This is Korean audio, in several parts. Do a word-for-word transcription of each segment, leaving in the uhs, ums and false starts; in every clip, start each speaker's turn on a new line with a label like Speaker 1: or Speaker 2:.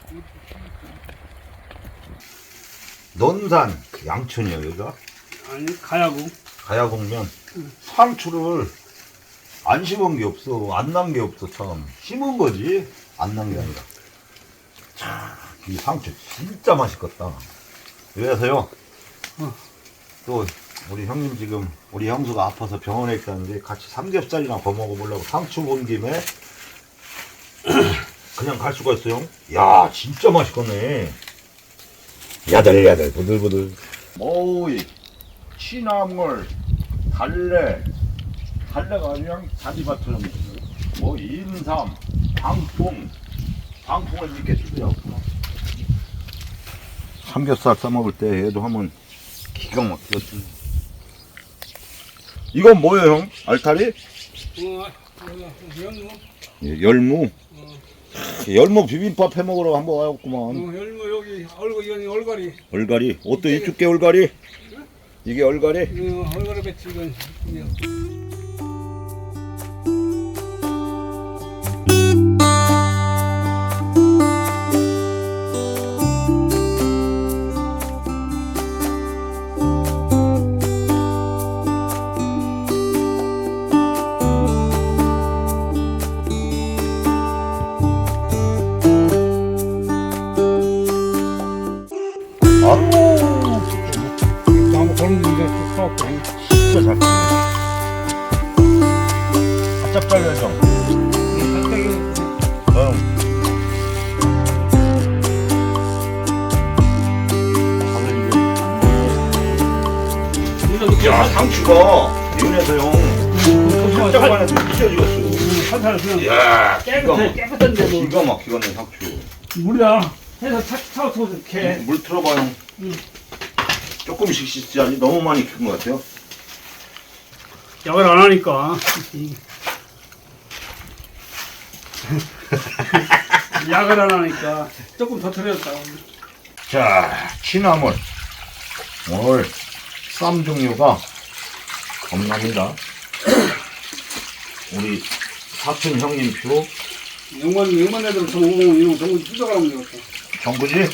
Speaker 1: 논산 양천이요 여기가?
Speaker 2: 아니 가야구.
Speaker 1: 가야공면.
Speaker 2: 응.
Speaker 1: 상추를 안 심은 게 없어. 안 난 게 없어. 참 심은 거지 안 난 게 아니라. 참, 이 상추 진짜 맛있겠다. 그래서요.
Speaker 2: 어.
Speaker 1: 또 우리 형님 지금 우리 형수가 아파서 병원에 있다는데 같이 삼겹살이나 거 먹어보려고 상추 본 김에 그냥 갈 수가 있어요. 야 진짜 맛있겠네. 야들야들 부들부들. 오이 취나물 달래 달래가 그냥 자지밭처럼 뭐 인삼 방풍 방풍을 이렇게 쓰더라고. 삼겹살 싸먹을 때 얘도 하면 기가 막히거든. 이건 뭐예요 형? 알타리?
Speaker 2: 어, 어, 열무.
Speaker 1: 예, 열무.
Speaker 2: 어,
Speaker 1: 열무 비빔밥 해 먹으러 한번
Speaker 2: 어,
Speaker 1: 와봤구만.
Speaker 2: 열무 여기 얼굴 이건 얼갈이.
Speaker 1: 얼갈이. 어떤 이쪽게 얼갈이? 이게 얼갈이?
Speaker 2: 어, 얼갈이 배치 이건. 그냥. 나무 걸음인데 쭉 서갖고.
Speaker 1: 진짜 잘 크네. 바짝 잘려져. 응. 야 상추가 윤에서 형 깜짝만 해도 찢어지겠어.
Speaker 2: 한살 그냥
Speaker 1: 이야
Speaker 2: 깨끗해 깨끗한데 뭐.
Speaker 1: 기가 막히겠네 상추.
Speaker 2: 물이야. 해서 차 차서 이렇게.
Speaker 1: 물 틀어봐 형.
Speaker 2: 응.
Speaker 1: 조금씩 씻어야지 너무 많이 큰 것 같아요.
Speaker 2: 약을 안 하니까. 약을 안 하니까 조금 더 들였다.
Speaker 1: 자 취나물 오늘 쌈 종류가 겁납니다. 우리 사촌 형님 표
Speaker 2: 영만 영만 애들 저 오고 이런 거 뜯어가면 되겠다.
Speaker 1: 정구지?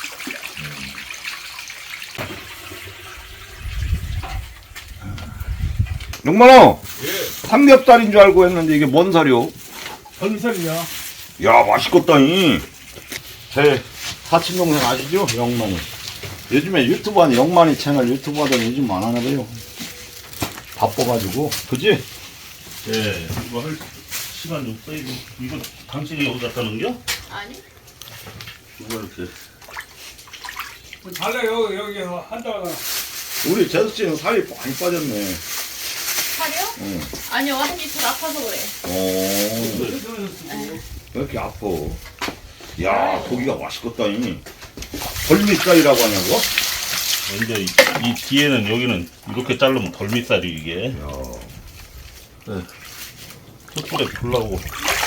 Speaker 1: 용만아
Speaker 2: 예.
Speaker 1: 삼겹살인 줄 알고 했는데 이게 뭔 살이요?
Speaker 2: 벌미살이야.
Speaker 1: 야 맛있겠다니. 제 사촌 동생 아시죠? 영만이. 요즘에 유튜브 하는 영만이 채널 유튜브 하더니 요즘 안 하나 봐요. 바빠가지고 그지?
Speaker 3: 예, 이거 할 시간 좀 써이고 이거 당신이 여기 갖다 놓은겨?
Speaker 4: 아니?
Speaker 3: 이거 이렇게
Speaker 2: 달래 여기 여기서 한다가
Speaker 1: 우리 재수 씨는 살이 많이 빠졌네.
Speaker 4: 살이요?
Speaker 1: 응.
Speaker 4: 아니요, 한 이틀 아파서 그래.
Speaker 1: 어. 왜 이렇게 아파? 야 고기가 맛있겠다니. 벌미살이라고 하냐고?
Speaker 3: 이제 이, 이 뒤에는 여기는 이렇게 자르면 덜미살이 이게.
Speaker 1: 야.
Speaker 3: 네. 숯불에 불라고.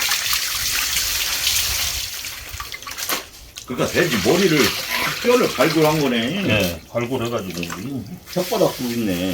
Speaker 1: 그러니까 돼지 머리를 싹 뼈를 발굴한 거네.
Speaker 3: 네, 발굴해가지고.
Speaker 1: 혓바닥 도 있네.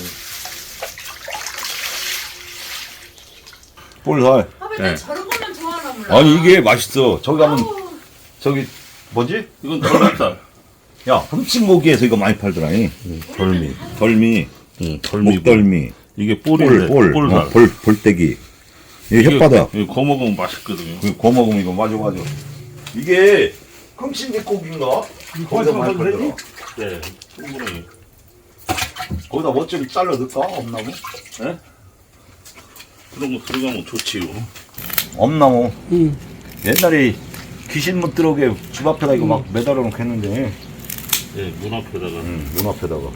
Speaker 1: 볼살.
Speaker 4: 아, 왜
Speaker 3: 네.
Speaker 4: 저런 것만 좋아하나 몰라.
Speaker 1: 아니 이게 맛있어. 저기 가면
Speaker 4: 아우,
Speaker 1: 저기 뭐지?
Speaker 3: 이건 덜미살.
Speaker 1: 야 흠칫모기에서 이거 많이 팔더라니.
Speaker 3: 덜미.
Speaker 1: 덜미,
Speaker 3: 응, 덜미.
Speaker 1: 목덜미,
Speaker 3: 이게
Speaker 1: 볼,
Speaker 3: 볼인데.
Speaker 1: 볼,
Speaker 3: 볼살.
Speaker 1: 어, 볼, 볼떼기. 이게 혓바닥.
Speaker 3: 이거 거 먹으면 맛있거든요.
Speaker 1: 그 거 먹으면 이거 맞아 맞아. 이게 흠칫미고기인가? 거기다 많이 팔더라.
Speaker 3: 네, 충분히.
Speaker 1: 거기다 뭐 좀 잘라 넣을까? 엄나무?
Speaker 3: 네? 그런 거 들어가면 좋지요.
Speaker 1: 엄나무.
Speaker 2: 응.
Speaker 1: 옛날에 귀신 못 들어오게 집 앞에다 이거 막 매달아 놓고 했는데.
Speaker 3: 예, 문 앞에다가.
Speaker 1: 응, 문 앞에다가.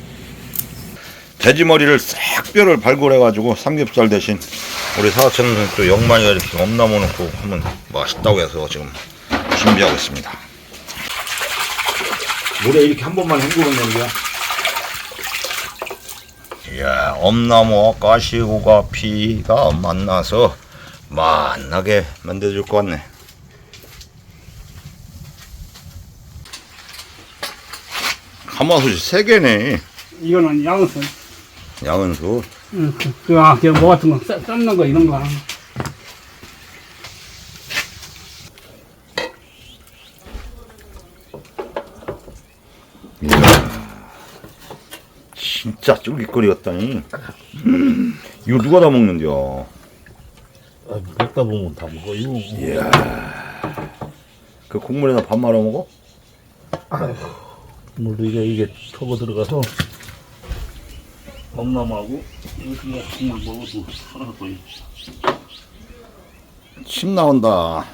Speaker 1: 돼지 머리를 싹 뼈를 발굴해가지고 삼겹살 대신 우리 사촌은 또 영만이가 이렇게 엄나무 넣고 하면 맛있다고 해서 지금 준비하고 있습니다. 물에 이렇게 한 번만 헹구면 되는 거야. 이야, 엄나무 가시고가 피가 만나서 맛나게 만들어줄 것 같네. 가마솥이 세 개네.
Speaker 2: 이거는 양은
Speaker 1: 양은수.
Speaker 2: 응, 그, 그, 아, 그뭐 같은 거, 쌈, 삶는 거, 이런 거.
Speaker 1: 진짜 쫄깃거리였다니. 음, 이거 누가 다 먹는겨?
Speaker 3: 아, 먹다 보면 다 먹어. 이거.
Speaker 1: 이야. 그 국물에다 밥 말아 먹어?
Speaker 3: 물 이게 이게 터고 들어가서 엄마하고 이거 그냥 국물 먹어도 하나도 있.
Speaker 1: 침 나온다.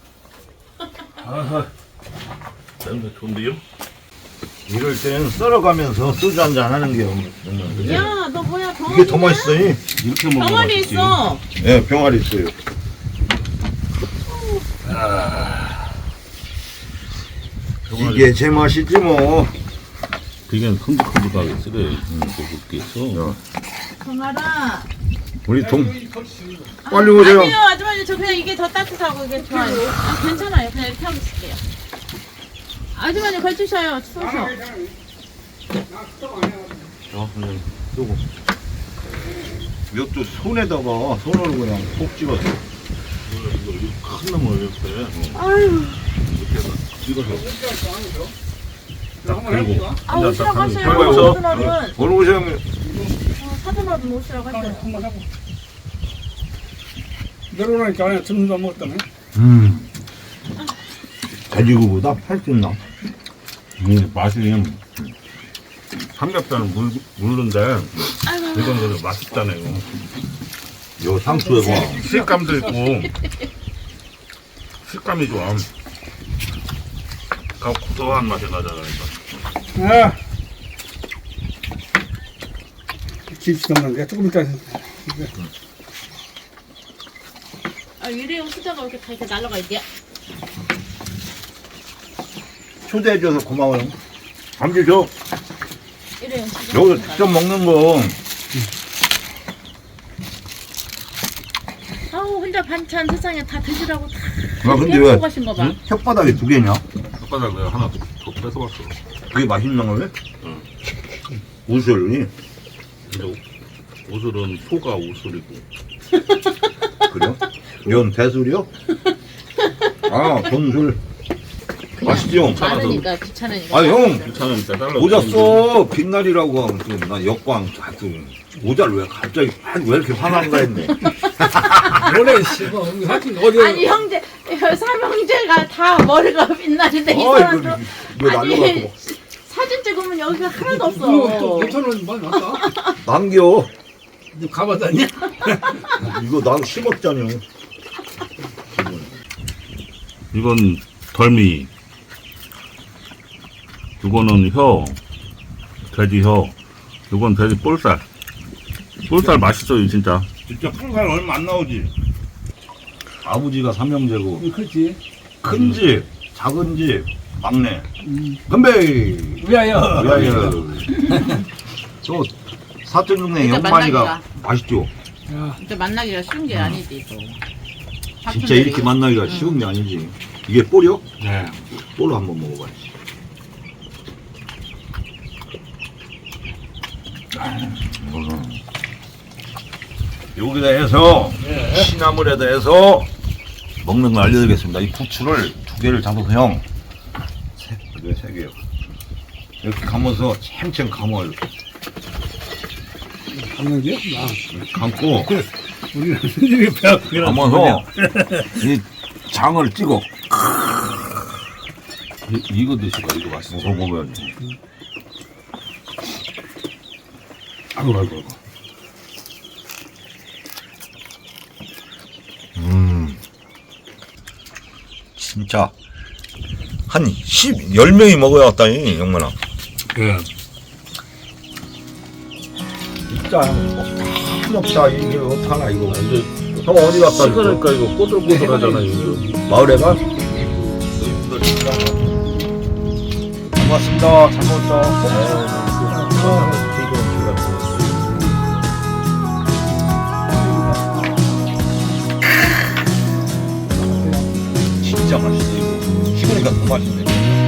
Speaker 3: 아하. 냄새 좋은데요?
Speaker 1: 이럴 때는 썰어가면서 소주 한잔 하는 게 없는
Speaker 4: 야, 너 뭐야? 병아리
Speaker 1: 이게 더 맛있어. 이.
Speaker 3: 이렇게 먹으면
Speaker 4: 병아리
Speaker 3: 맛있지.
Speaker 4: 있어.
Speaker 1: 예, 병아리 있어요. 이게 제 맛이지 뭐.
Speaker 3: 그게 큼직큼직하게 쓰래. 응, 그렇게 있어.
Speaker 4: 병아라.
Speaker 1: 우리 동 빨리 오세요.
Speaker 4: 아니요, 아줌마님 저 그냥 이게 더 따뜻하고 이게 좋아요. 아, 괜찮아요. 그냥 이렇게 하고 있을게요. 아줌마님 걸치셔요. 추워서.
Speaker 1: 자, 그냥 쓰고. 이것도 손에다가 손으로 그냥 콕 찍어서.
Speaker 3: 이거 이거 이거 큰 놈을 이렇게
Speaker 4: 아유,
Speaker 3: 이렇게 해서 찍어서
Speaker 2: 한번 해볼까?
Speaker 4: 아 오시라고 하세요.
Speaker 1: 해봐요, 여기서.
Speaker 4: 사돈어른.
Speaker 1: 오늘 오세요.
Speaker 4: 어, 사돈어른 오시라고 하세요.
Speaker 2: 한번 해보. 내려오니까 안에 점심도 안 먹었다네.
Speaker 1: 음. 돼지고기보다 훨씬 나.
Speaker 3: 이 맛이 삼겹살은 물 물른데
Speaker 4: 아이고,
Speaker 3: 이건 그래도 맛있잖아요.
Speaker 1: 요 상추에 봐.
Speaker 3: 식감도 있고 식감이 좋아. 가 고소한 맛이 나잖아요. 이거.
Speaker 2: 아. 김치 넣는 게 조금 이따.
Speaker 4: 아 일회용 수저가 이렇게 다 이렇게 날라가 있대요.
Speaker 1: 초대해줘서 고마워요. 잠시 줘.
Speaker 4: 일회용 수저.
Speaker 1: 여기서 직접 먹는 거.
Speaker 4: 아우 혼자 반찬 세상에 다 드시라고 다.
Speaker 1: 아, 근데
Speaker 4: 깨고
Speaker 1: 왜
Speaker 4: 가신 거 봐.
Speaker 1: 응? 혓바닥에 두 개냐?
Speaker 3: 혓바닥 내가 하나 더 뺏어봤어.
Speaker 1: 그게 맛있는 거왜?
Speaker 3: 응.
Speaker 1: 우설이.
Speaker 3: 근데 우술은 소가 우술이고
Speaker 1: 그래요? 이건 대술이요? 아, 돈술. 맛있죠?
Speaker 4: 많으니까 귀찮으니까.
Speaker 1: 아, 형.
Speaker 3: 귀찮으면 빼달라고.
Speaker 1: 모자 써. 빛날이라고 하면 또 나 역광 자꾸 모자를 왜 갑자기 아, 왜 이렇게 화난가 했네.
Speaker 2: 원래 씨발 하여튼 어디
Speaker 4: 아니 형제 삼형제가 다 머리가 빛나는데 이
Speaker 1: 아,
Speaker 4: 사람도
Speaker 1: 이거, 이거 날려갖고
Speaker 4: 사진 찍으면 여기가 하나도
Speaker 2: 그거 또
Speaker 4: 없어.
Speaker 2: 오천 원 많이 왔다.
Speaker 1: 남겨.
Speaker 2: 너 가봤다니?
Speaker 1: 이거 난 십억짜리요.
Speaker 3: 이건 덜미. 이거는 혀. 돼지 혀. 이건 돼지 볼살. 볼살 맛있어요 진짜.
Speaker 1: 진짜 큰살 얼마 안 나오지. 아버지가 삼형제고
Speaker 2: 그렇지.
Speaker 1: 큰 집, 작은 집, 막내.
Speaker 2: 음.
Speaker 1: 건배.
Speaker 2: 위하여.
Speaker 1: 야야. 또 사촌 동네
Speaker 4: 일단
Speaker 1: 영만이가
Speaker 4: 만나기가.
Speaker 1: 맛있죠.
Speaker 2: 야,
Speaker 4: 진짜 만나기가 쉬운 게 아니지 또.
Speaker 1: 진짜 이렇게 만나기가 쉬운 게 아니지. 이게 볼이요?
Speaker 3: 네.
Speaker 1: 볼로 한번 먹어봐야지. 여기다 해서 시나물에다 해서 먹는 걸 알려드리겠습니다. 이 부추를 두 개를 잡아서 형, 세, 왜 세 개요? 이렇게 감아서 챙챙 감아요. 이렇게
Speaker 2: 감는 게? 나.
Speaker 1: 감고
Speaker 2: 우리는 이게 배가 그게
Speaker 1: 감아서 이 장을 찍어.
Speaker 3: 이, 이거 드시고 이거 맛있어.
Speaker 1: 먹어 먹어야지.
Speaker 3: 아이고 아이고 아이고.
Speaker 1: 음, 진짜 한 십, 열 명이 먹어야 왔다니 영만아.
Speaker 3: 예.
Speaker 1: 진짜 없다. 이게 어떡하나 이거.
Speaker 3: 근데
Speaker 1: 형 어디 갔다 왔어?
Speaker 3: 시그니까 이거 꼬들꼬들하잖아요. 이거.
Speaker 1: 마을에 가? 고맙습니다. 잘 먹었다. 진짜 맛있어 이거. 식으니까 더 맛있네.